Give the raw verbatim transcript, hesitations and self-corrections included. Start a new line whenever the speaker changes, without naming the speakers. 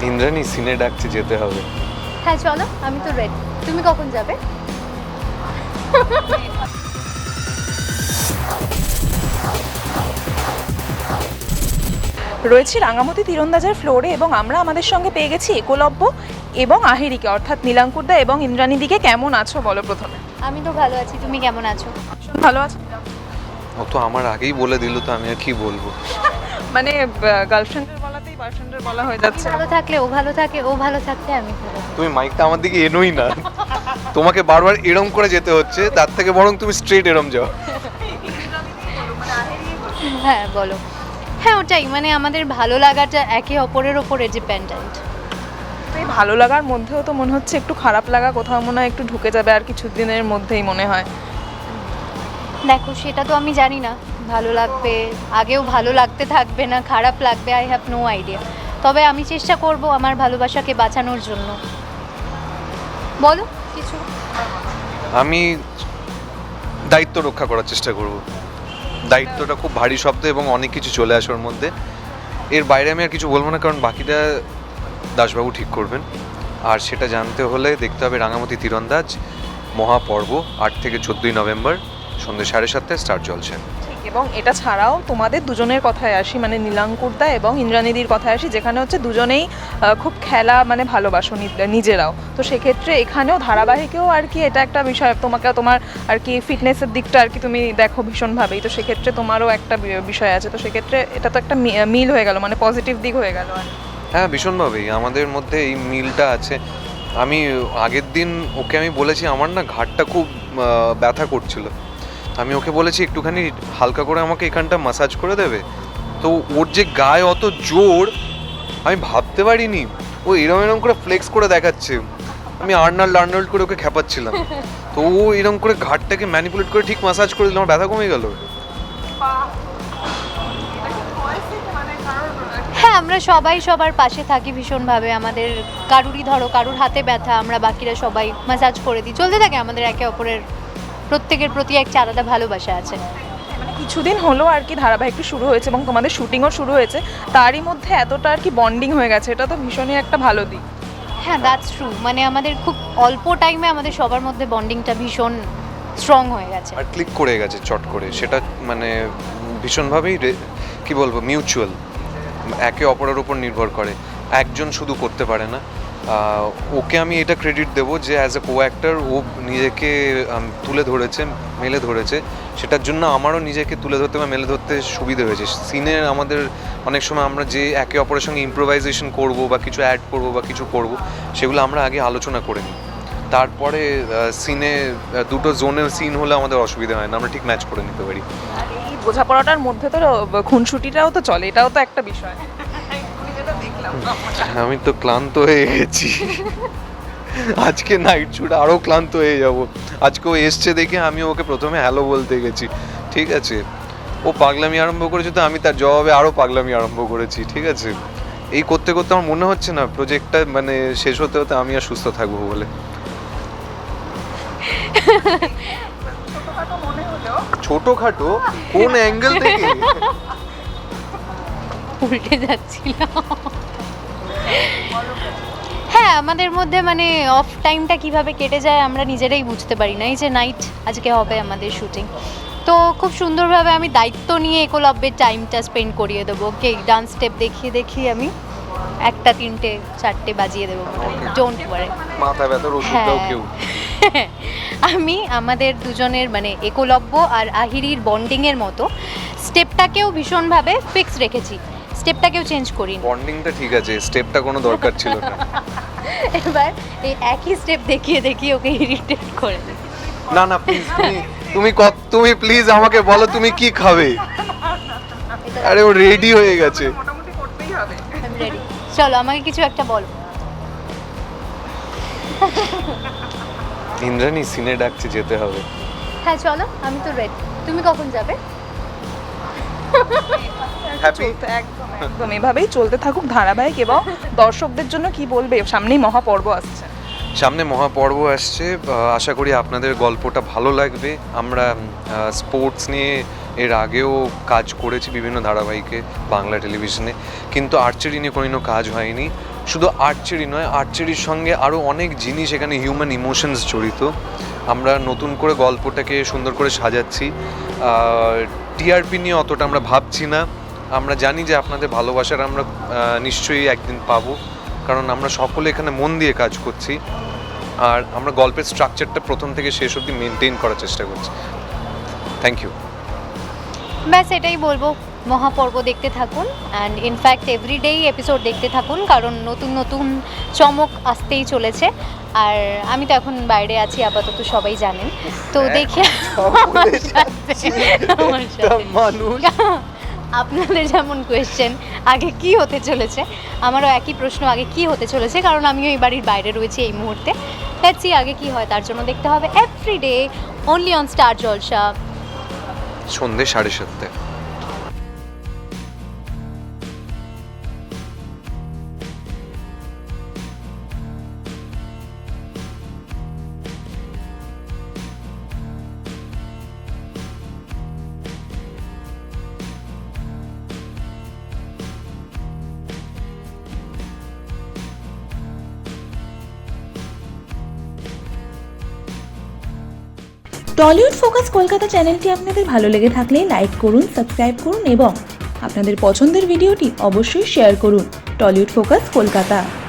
ইন্দ্রাণী সিনে ডাকছে, যেতে হবে।
হ্যাঁ চলো, আমি তো রেডি। তুমি কখন যাবে?
রয়েছি রাঙামাটি তীরন্দাজের ফ্লোরে এবং আমরা আমাদের সঙ্গে পেয়ে গেছি একলব্য এবং আহিরিকে, অর্থাৎ নীলাঙ্কুরদা এবং ইন্দ্রাণীদিকে। কেমন আছো বলো প্রথমে?
আমি তো ভালো আছি, তুমি কেমন আছো?
ভালো আছো?
ও তো আমার আগেই বলে দিল, তো আমি আর কি বলবো।
মানে গার্লফ্রেন্ডের বলাতেই বয়ফ্রেন্ডের বলা হয়ে যাচ্ছে।
ভালো থাকলে ও ভালো থাকে, ও ভালো থাকলে আমি ভালো।
তুমি মাইকটা আমার দিকে এনোই না, তোমাকে বারবার এরম করে যেতে হচ্ছে, তার থেকে বরং তুমি স্ট্রেট এরম যাও।
হ্যাঁ বলো। হ্যাঁ ওটাই, মানে আমাদের ভালো লাগাটা একে অপরের ওপরে ডিপেন্ডেন্ট।
এই ভালো লাগার মধ্যেও তো মনে হচ্ছে একটু খারাপ লাগা কোথাও মনে হয় একটু ঢুকে যাবে আর কিছু দিনের মধ্যেই মনে হয়।
দেখো সেটা তো আমি জানি না, ভালো লাগবে, আগেও ভালো লাগতে থাকবে না খারাপ লাগবে, আই হ্যাভ নো আইডিয়া। তবে আমি চেষ্টা করব আমার ভালোবাসাকে বাঁচানোর জন্য। বলো কিছু।
আমি দায়িত্ব রক্ষা করার চেষ্টা করব। দায়িত্বটা খুব ভারী শব্দ এবং অনেক কিছু চলে আসে ওর মধ্যে। এর বাইরে আমি আর কিছু বলবো না, কারণ বাকিটা দাসবাবু ঠিক করবেন। আর সেটা জানতে হলে দেখতে হবে রাঙামাটি তীরন্দাজ মহাপর্ব, আট থেকে চোদ্দোই নভেম্বর সন্ধ্যে সাড়ে সাতটায় স্টার জলছে।
এবং এটা ছাড়াও তোমাদের দুজনের কথায় আসি, মানে নীলাঙ্কুরদা এবং ইন্দ্রাণীদির কথায় আসি, যেখানে হচ্ছে দুজনেই খুব খেলা মানে ভালোবাসো নিজেরাও। তো সেক্ষেত্রে এখানেও ধারাবাহিকেও আর কি এটা একটা বিষয়, তোমাকে তোমার আর কি ফিটনেসের দিকটা আর কি তুমি দেখো ভীষণভাবেই, তো সেক্ষেত্রে তোমারও একটা বিষয় আছে। তো সেক্ষেত্রে এটা তো একটা মিল হয়ে গেল, মানে পজিটিভ দিক হয়ে গেল। আর
হ্যাঁ, ভীষণভাবেই আমাদের মধ্যে এই মিলটা আছে। আমি আগের দিন ওকে আমি বলেছি আমার না ঘাটটা খুব ব্যথা করছিল, আমি ওকে বলেছি একটুখানি হালকা করে আমাকে এখানটা ম্যাসাজ করে দেবে। তো ওর যে গায়ে অত জোর আমি ভাবতে পারিনি, ও এরম এরম করে ফ্লেক্স করে দেখাচ্ছে। আমি আর্নাল্ড আর্নাল্ড করে ওকে খেপাচ্ছিলাম, তো ও এরম করে ঘাটটাকে ম্যানিপুলেট করে ঠিক ম্যাসাজ করে দিল, আমার ব্যথা কমে গেল।
হ্যাঁ আমরা সবাই সবার পাশে থাকি ভীষণভাবে। আমাদের কারুরই ধরো কারুর হাতে ব্যথা, আমরা বাকিরা সবাই ম্যাসাজ করে দিই, চলতে থাকে আমাদের একে অপরের প্রত্যেকের প্রতি একটা আলাদা ভালোবাসা আছে।
মানে কিছুদিন হলো আর কি ধারাবাহিকটি শুরু হয়েছে এবং তোমাদের শুটিংও শুরু হয়েছে, তারই মধ্যে এতটা আর কি বন্ডিং হয়ে গেছে, এটা তো ভীষণই একটা ভালো দিক।
হ্যাঁ দ্যাটস ট্রু, মানে আমাদের খুব অল্প টাইমে আমাদের সবার মধ্যে বন্ডিংটা ভীষণ স্ট্রং হয়ে গেছে
আর ক্লিক করে গেছে চট করে, সেটা মানে ভীষণভাবেই কি বলবো মিউচুয়াল, একে অপরের উপর নির্ভর করে, একজন শুধু করতে পারে না। ওকে আমি এটা ক্রেডিট দেবো যে অ্যাজ এ কো অ্যাক্টর ও নিজেকে তুলে ধরেছে, মেলে ধরেছে, সেটার জন্য আমারও নিজেকে তুলে ধরতে বা মেলে ধরতে সুবিধা হয়েছে। সিনে আমাদের অনেক সময় আমরা যে একে অপরের সঙ্গে ইম্প্রোভাইজেশন করব বা কিছু অ্যাড করব বা কিছু করব, সেগুলো আমরা আগে আলোচনা করে নিই, তারপরে সিনে দুটো জোনের সিন হলে আমাদের অসুবিধা হয় না, আমরা ঠিক ম্যাচ করে নিতে পারি।
আর এই বোঝাপড়াটার মধ্যে তো খুনসুটিটাও তো চলে, এটাও তো একটা বিষয়।
আমি তো ক্লান্ত হয়ে গেছি, আজকে নাইট শুট আরও ক্লান্ত হয়ে যাব। আজকে ও এসছে দেখে আমি ওকে প্রথমে হ্যালো বলতে গেছি, ঠিক আছে, ও পাগলামি আরম্ভ করেছে, তো আমি তার জবাবে আরও পাগলামি আরম্ভ করেছি, ঠিক আছে। এই করতে করতে আমার মনে হচ্ছে না প্রজেক্টটা মানে শেষ হতে হতে আমি আর সুস্থ থাকবো বলে। ছোটখাটো কোন অ্যাঙ্গেল থেকে
উল্টে যাচ্ছিল। হ্যাঁ আমাদের মধ্যে মানে অফ টাইমটা কিভাবে কেটে যায় আমরা নিজেরাই বুঝতে পারি না। এই যে নাইট আজকে হবে আমাদের শুটিং, তো খুব সুন্দরভাবে আমি দায়িত্ব নিয়ে একলব্যের টাইমটা স্পেন্ড করিয়ে দেবো। ওকে ডান্স স্টেপ দেখিয়ে দেখিয়ে আমি একটা তিনটে চারটে বাজিয়ে দেবো, ডোন্ট ওয়ারি।
মাথা ব্যথার ওষুধটাও কেউ
আমি আমাদের দুজনের মানে একলব্য আর আহিরির বন্ডিংয়ের মতো স্টেপটাকেও ভীষণভাবে ফিক্স রেখেছি, স্টেপটাকেও চেঞ্জ করি।
বন্ডিংটা ঠিক আছে, স্টেপটা কোনো দরকার ছিল না।
এবার এই একই স্টেপ দেখিয়ে দেখিয়ে ওকে ইরিটেট করে দিই।
না না প্লিজ, তুমি তুমি কত তুমি প্লিজ আমাকে বলো তুমি কি খাবে। আরে ও রেডি হয়ে গেছে,
মোটামুটি করতেই হবে।
আমি রেডি, চলো আমাকে কিছু একটা বলো।
ইন্দ্রাণী সিনে ডাকছে, যেতে হবে।
হ্যাঁ চলো, আমি তো রেডি। তুমি কখন যাবে?
হ্যাপি।
একদম একদম এভাবেই চলতে থাকুক ধারাবাহিক। এবং দর্শকদের জন্য কি বলবে, সামনেই মহাপর্ব আসছে।
সামনে মহাপর্ব আসছে, আশা করি আপনাদের গল্পটা ভালো লাগবে। আমরা স্পোর্টস নিয়ে এর আগেও কাজ করেছি বিভিন্ন ধারাবাহিকে বাংলা টেলিভিশনে, কিন্তু আর্চারি নিয়ে কোনো কাজ হয়নি। শুধু আর্চারি নয়, আর্চারির সঙ্গে আরও অনেক জিনিস এখানে হিউম্যান ইমোশনস জড়িত। আমরা নতুন করে গল্পটাকে সুন্দর করে সাজাচ্ছি। টিআরপি নিয়ে অতটা আমরা ভাবছি না। আমরা জানি যে আপনাদের ভালোবাসার আমরা নিশ্চয়ই একদিন পাবো, কারণ আমরা সকলে এখানে মন দিয়ে কাজ করছি। আর আমরা গল্পের স্ট্রাকচারটা প্রথম থেকে শেষ অবধি মেনটেন করার চেষ্টা করছি। Thank you.
ব্যাস এটাই বলবো, মহাপর্ব দেখতে থাকুন অ্যান্ড ইনফ্যাক্ট এভরিডেই এপিসোড দেখতে থাকুন, কারণ নতুন নতুন চমক আসতেই চলেছে। আর আমি তো এখন বাইরে আছি আপাতত, সবাই জানেন। তো দেখে আমার সাথে- আমার সাথে-
মানুষ
আপনাদের যেমন কোয়েশ্চেন আগে কি হতে চলেছে, আমারও একই প্রশ্ন আগে কি হতে চলেছে, কারণ আমিও এই বাড়ির বাইরে রয়েছি এই মুহূর্তে। লেটস সি আগে কি হয়, তার জন্য দেখতে হবে everyday only on Star Jalsha
সন্ধ্যে সাড়ে সাতটায়।
টলিউড ফোকাস কলকাতা চ্যানেলটি আপনাদের ভালো লেগে থাকলে লাইক করুন, সাবস্ক্রাইব করুন এবং আপনাদের পছন্দের ভিডিওটি অবশ্যই শেয়ার করুন। Tollywood focus Kolkata.